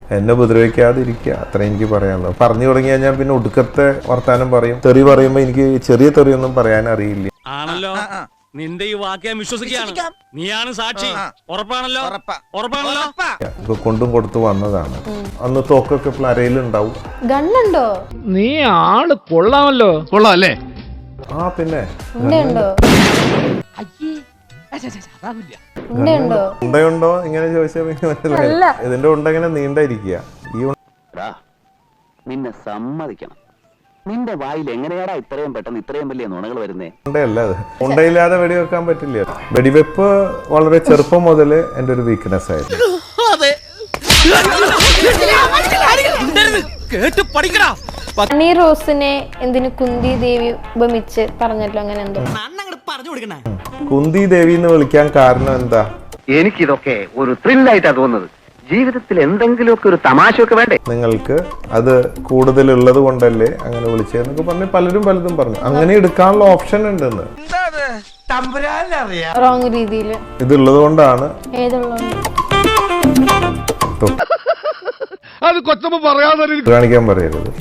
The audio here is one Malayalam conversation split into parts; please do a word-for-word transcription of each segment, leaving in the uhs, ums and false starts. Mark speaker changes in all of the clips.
Speaker 1: എന്നെ ഉപദ്രവിക്കാതിരിക്കുക, അത്ര എനിക്ക് പറയാനുള്ളൂ. പറഞ്ഞു തുടങ്ങി കഴിഞ്ഞാൽ പിന്നെ ഒടുക്കത്തെ വർത്താനം പറയും. തെറി പറയുമ്പോൾ എനിക്ക് ചെറിയ തെറിയൊന്നും പറയാൻ അറിയില്ല.
Speaker 2: ആണല്ലോ, നിന്റെ ഈ വാക്ക് വിശ്വസിക്കുകയാണ്. നീയാണ് സാക്ഷി. ഉറപ്പാണല്ലോ? ഉറപ്പാണല്ലോ.
Speaker 1: ഇപ്പൊ കൊണ്ടും കൊടുത്തു വന്നതാണ്. അന്ന് തോക്കൊക്കെ അരയിലുണ്ടാവും.
Speaker 3: ഗണ്ണുണ്ടോ?
Speaker 4: നീ ആള് കൊള്ളാമല്ലോ. കൊള്ളാം അല്ലേ?
Speaker 1: ആ പിന്നെ ഉണ്ടയുണ്ടോ ഇങ്ങനെ ചോദിച്ചാൽ മനസ്സിലായി. ഇതിന്റെ ഉണ്ട ഇങ്ങനെ നീണ്ടായിരിക്കുക. ഈ
Speaker 5: നിന്നെ സമ്മതിക്കണം, നിന്റെ വായിൽ എങ്ങനെയാടാ ഇത്രയും പെട്ടെന്ന് ഇത്രയും വലിയ നുണകൾ വരുന്നേ?
Speaker 1: ഉണ്ടയല്ല അത്. ഉണ്ടയില്ലാതെ വെടിവെക്കാൻ പറ്റില്ല. വെടിവെപ്പ് വളരെ ചെറുപ്പം മുതൽ എന്റെ ഒരു വീക്ക്നെസ് ആയിരുന്നു.
Speaker 3: ഹണി റോസിനെ എന്തിനു കുന്തി ദേവി ഉപമിച്ച് പറഞ്ഞല്ലോ, അങ്ങനെ എന്തോ
Speaker 1: കുന്തി ദേവി എന്ന് വിളിക്കാൻ കാരണം എന്താ?
Speaker 5: എനിക്കിതൊക്കെ ഒരു ത്രില്ലായിട്ടാ തോന്നുന്നത്. ജീവിതത്തിൽ എന്തെങ്കിലുമൊക്കെ ഒരു തമാശയൊക്കെ വേണ്ടേ?
Speaker 1: നിങ്ങൾക്ക് അത് കൂടുതലുള്ളത് കൊണ്ടല്ലേ അങ്ങനെ വിളിച്ചതെന്നൊക്കെ പറഞ്ഞ് പലരും പലതും പറഞ്ഞു. അങ്ങനെ എടുക്കാനുള്ള ഓപ്ഷൻ ഉണ്ടെന്ന്.
Speaker 3: റോങ് രീതിയിൽ
Speaker 1: ഇതുള്ളത് കൊണ്ടാണ്.
Speaker 3: ഏതുള്ളതുകൊണ്ട്
Speaker 4: അത് കൊച്ചമ്മ പറയാതെ
Speaker 1: കാണിക്കാൻ പറയരുത്.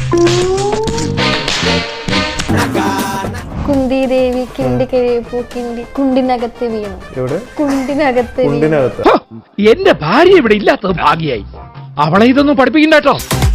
Speaker 3: കുന്തി ദേവി കിണ്ടി കഴിയപ്പോ കിണ്ടി കുണ്ടിനകത്ത് വീണു.
Speaker 1: എവിടെ?
Speaker 3: കുണ്ടിനകത്ത്
Speaker 1: കുണ്ടിനകത്ത്.
Speaker 4: എന്റെ ഭാര്യ ഇവിടെ ഇല്ലാത്തത് ഭാഗ്യായി. അവളെ ഇതൊന്നും പഠിപ്പിക്കണ്ട കേട്ടോ.